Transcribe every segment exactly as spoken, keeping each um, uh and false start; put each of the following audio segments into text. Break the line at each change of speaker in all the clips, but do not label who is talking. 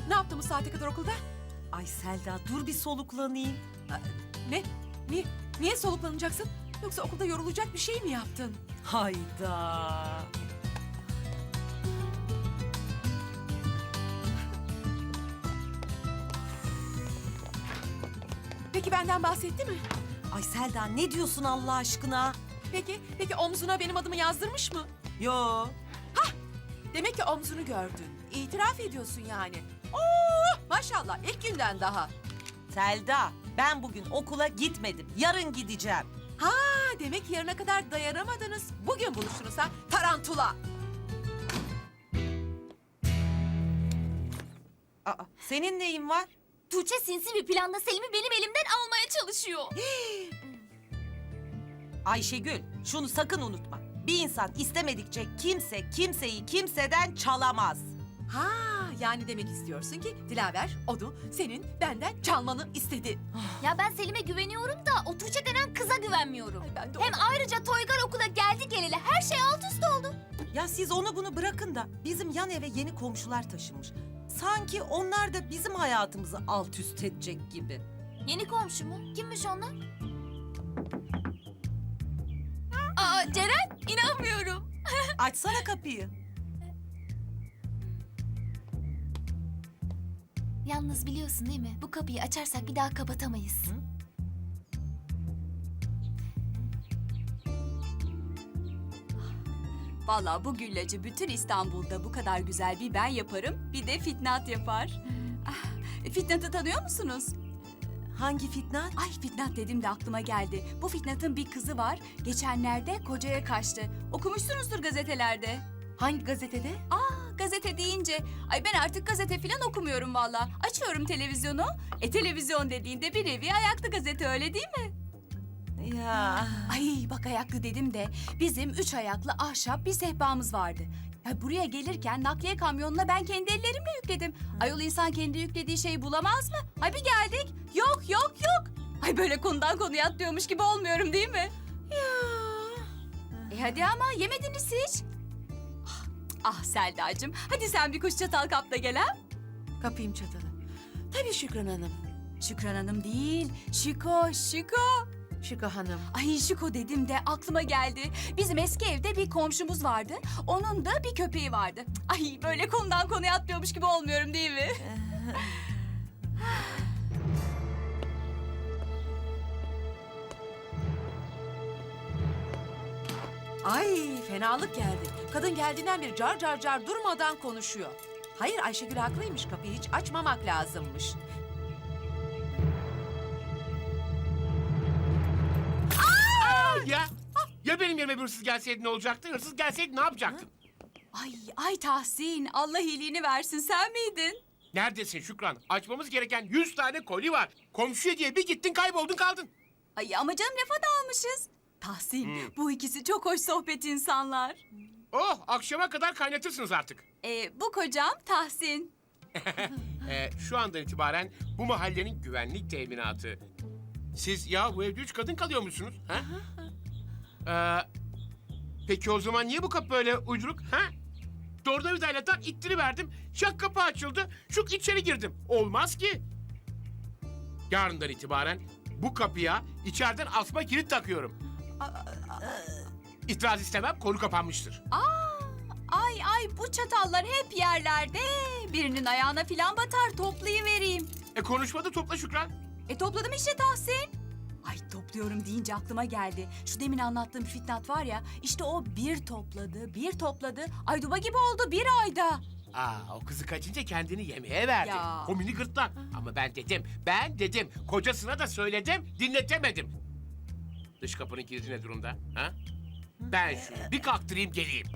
Ne yaptın bu saate kadar okulda?
Ay Selda dur bir soluklanayım.
Ne? Niye, niye soluklanacaksın? Yoksa okulda yorulacak bir şey mi yaptın?
Hayda.
Peki benden bahsetti mi?
Ay Selda ne diyorsun Allah aşkına?
Peki, peki omzuna benim adımı yazdırmış mı?
Yo.
Demek ki omzunu gördün. İtiraf ediyorsun yani. Oo, maşallah ilk günden daha.
Selda ben bugün okula gitmedim. Yarın gideceğim.
Ha, demek yarına kadar dayanamadınız. Bugün buluştunuz ha, tarantula.
Aa, senin neyin var?
Tuğçe sinsi bir planla Selim'i benim elimden almaya çalışıyor.
Ayşegül şunu sakın unutma. Bir insan istemedikçe kimse kimseyi kimseden çalamaz.
Ha, yani demek istiyorsun ki Dilaver onu senin benden çalmanı istedi.
Ya ben Selim'e güveniyorum da o Tuğçe denen kıza güvenmiyorum.
Ay, ben de
Hem ayrıca Toygar okula geldi geleli her şey alt üst oldu.
Ya siz onu bunu bırakın da bizim yan eve yeni komşular taşınmış. Sanki onlar da bizim hayatımızı alt üst edecek gibi.
Yeni komşu mu? Kimmiş onlar? Aa Ceren, inanmıyorum.
Açsana kapıyı.
Yalnız biliyorsun değil mi? Bu kapıyı açarsak bir daha kapatamayız.
Hı?
Vallahi bu güllacı bütün İstanbul'da bu kadar güzel bir ben yaparım, bir de Fitnat yapar. Ah, Fitnat'ı tanıyor musunuz?
Hangi Fitnat?
Ay Fitnat dedim de aklıma geldi. Bu Fitnat'ın bir kızı var. Geçenlerde kocaya kaçtı. Okumuşsunuzdur gazetelerde.
Hangi gazetede?
Aa, gazete deyince, ay ben artık gazete falan okumuyorum vallahi. Açıyorum televizyonu. E televizyon dediğinde bir nevi ayaklı gazete, öyle değil mi?
Ya.
Ay bak ayaklı dedim de bizim üç ayaklı ahşap bir sehpamız vardı. Ya buraya gelirken nakliye kamyonuna ben kendi ellerimle yükledim. Ayol insan kendi yüklediği şeyi bulamaz mı? Ay bir geldik. Yok yok yok. Ay böyle konudan konuya atlıyormuş gibi olmuyorum değil mi?
Ya.
E hadi ama yemediniz hiç. Ah, ah Selda'cığım, hadi sen bir kuş çatal kap da gel ha.
Kapayım çatalı. Tabii Şükran Hanım.
Şükran Hanım değil, Şiko, Şiko.
Şükrü Hanım.
Ay Şiko dedim de aklıma geldi. Bizim eski evde bir komşumuz vardı. Onun da bir köpeği vardı. Ay böyle konudan konuya atlıyormuş gibi olmuyorum değil mi?
Ay fenalık geldi. Kadın geldiğinden beri car car car durmadan konuşuyor. Hayır Ayşegül haklıymış, kapıyı hiç açmamak lazımmış.
Ya, ya benim yerime bir hırsız gelseydi ne olacaktı? Hırsız gelseydi ne yapacaktın?
Ay ay Tahsin, Allah iyiliğini versin, sen miydin?
Neredesin Şükran? Açmamız gereken yüz tane koli var. Komşuya diye bir gittin kayboldun kaldın.
Ay ama canım lafa dalmışız. Tahsin, bu ikisi çok hoş sohbet insanlar.
Oh, akşama kadar kaynatırsınız artık.
Ee, bu kocam Tahsin.
Ee, şu andan itibaren bu mahallenin güvenlik teminatı. Siz ya bu evde üç kadın kalıyormuşsunuz. Ha? Ee, peki o zaman niye bu kapı böyle uyduruk? Ha? Tornavidayla tak ittiriverdim. Şak kapı açıldı. Şuk içeri girdim. Olmaz ki. Yarından itibaren bu kapıya içeriden asma kilit takıyorum. İtiraz istemem, konu kapanmıştır.
Ay ay bu çatallar hep yerlerde. Birinin ayağına filan batar, toplayıvereyim.
E konuşmadı, topla Şükran.
E topladım işte Tahsin. Ay topluyorum deyince aklıma geldi. Şu demin anlattığım Fitnat var ya, işte o bir topladı, bir topladı. Ay duba gibi oldu bir ayda.
Aa, o kızı kaçınca kendini yemeğe verdi.
Ya.
Komini gırtlak. Ama ben dedim, ben dedim. Kocasına da söyledim, dinletemedim. Dış kapının kilidi ne durumda? Ha? Ben şunu bir kalktırayım geleyim.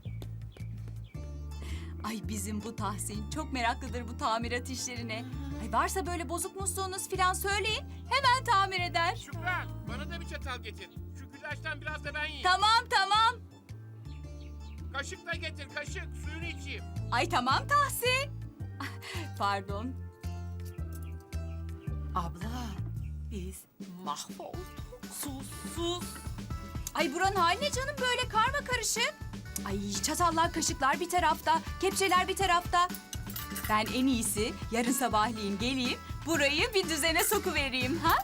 Ay bizim bu Tahsin çok meraklıdır bu tamirat işlerine. Ay varsa böyle bozuk musluğunuz filan söyleyin, hemen tamir eder.
Şükran, bana da bir çatal getir. Şu güllaçtan biraz da ben yiyeyim.
Tamam tamam.
Kaşık da getir, kaşık. Suyunu içeyim.
Ay tamam Tahsin. Pardon.
Abla biz mahvolduk.
Sus sus.
Ay buranın hali ne canım böyle karma karışık. Ay çatallar kaşıklar bir tarafta, kepçeler bir tarafta. Ben en iyisi yarın sabahleyin geleyim, burayı bir düzene sokuvereyim ha?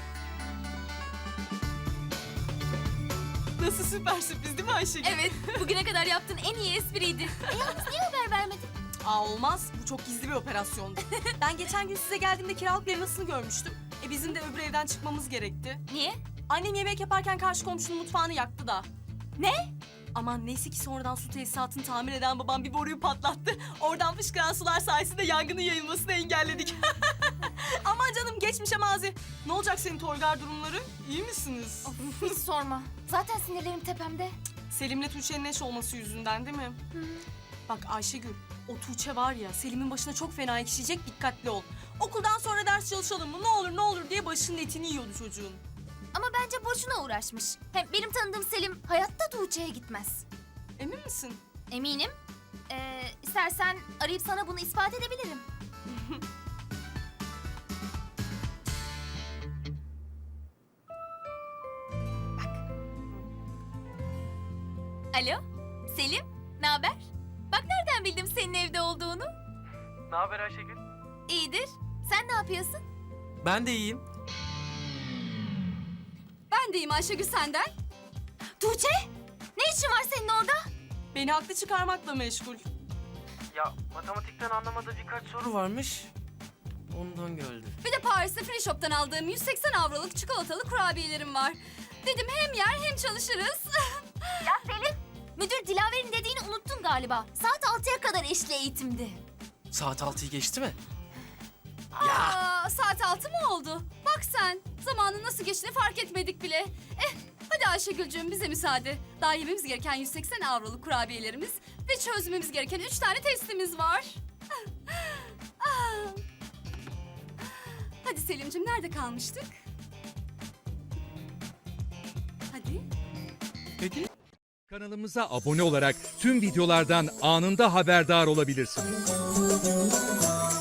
Nasıl süper sürpriz değil mi Ayşegül?
Evet, bugüne kadar yaptığın en iyi espriydi. E yalnız niye haber vermedin?
Aa olmaz. Bu çok gizli bir operasyondu. Ben geçen gün size geldiğimde kiralık bir ev nasıl görmüştüm. E bizim de öbür evden çıkmamız gerekti.
Niye?
Annem yemek yaparken karşı komşunun mutfağını yaktı da. Ne? Aman neyse ki sonradan su tesisatını tamir eden babam bir boruyu patlattı. Oradan fışkıran sular sayesinde yangının yayılmasını engelledik. Aman canım geçmişe mazi. Ne olacak senin Toygar durumları? İyi misiniz?
Of, hiç sorma. Zaten sinirlerim tepemde.
Selim'le Tuğçe'nin eş olması yüzünden değil mi? Bak Ayşegül, o Tuğçe var ya Selim'in başına çok fena ekşiyecek, dikkatli ol. Okuldan sonra ders çalışalım mı ne olur ne olur diye başının etini yiyordu çocuğun.
Ama bence boşuna uğraşmış. Hem benim tanıdığım Selim hayatta Tuğçe'ye gitmez.
Emin misin?
Eminim. Ee, istersen arayıp sana bunu ispat edebilirim. Bak. Alo, Selim, ne haber? Bak nereden bildim senin evde olduğunu?
Ne haber Ayşegül?
İyidir. Sen ne yapıyorsun?
Ben de iyiyim.
Ben deyim Ayşegül senden.
Tuğçe, ne işin var senin orada?
Beni haklı çıkarmakla meşgul.
Ya matematikten anlamadığı birkaç soru varmış. Ondan geldi.
Bir de Paris'te Free Shop'tan aldığım yüz seksen avroluk çikolatalı kurabiyelerim var. Dedim hem yer hem çalışırız.
Ya Selim, müdür Dilaver'in dediğini unuttun galiba. Saat altıya kadar eşli eğitimdi.
Saat altıyı geçti mi?
Aa, saat altı mı oldu? Bak sen, zamanın nasıl geçtiğini fark etmedik bile. Eh, hadi Ayşegül'cüğüm bize müsaade. Daha yememiz gereken yüz seksen avroluk kurabiyelerimiz ve çözmemiz gereken üç tane testimiz var. Ah. Hadi Selim'cim nerede kalmıştık? Hadi.
Peki.
Kanalımıza abone olarak tüm videolardan anında haberdar olabilirsiniz.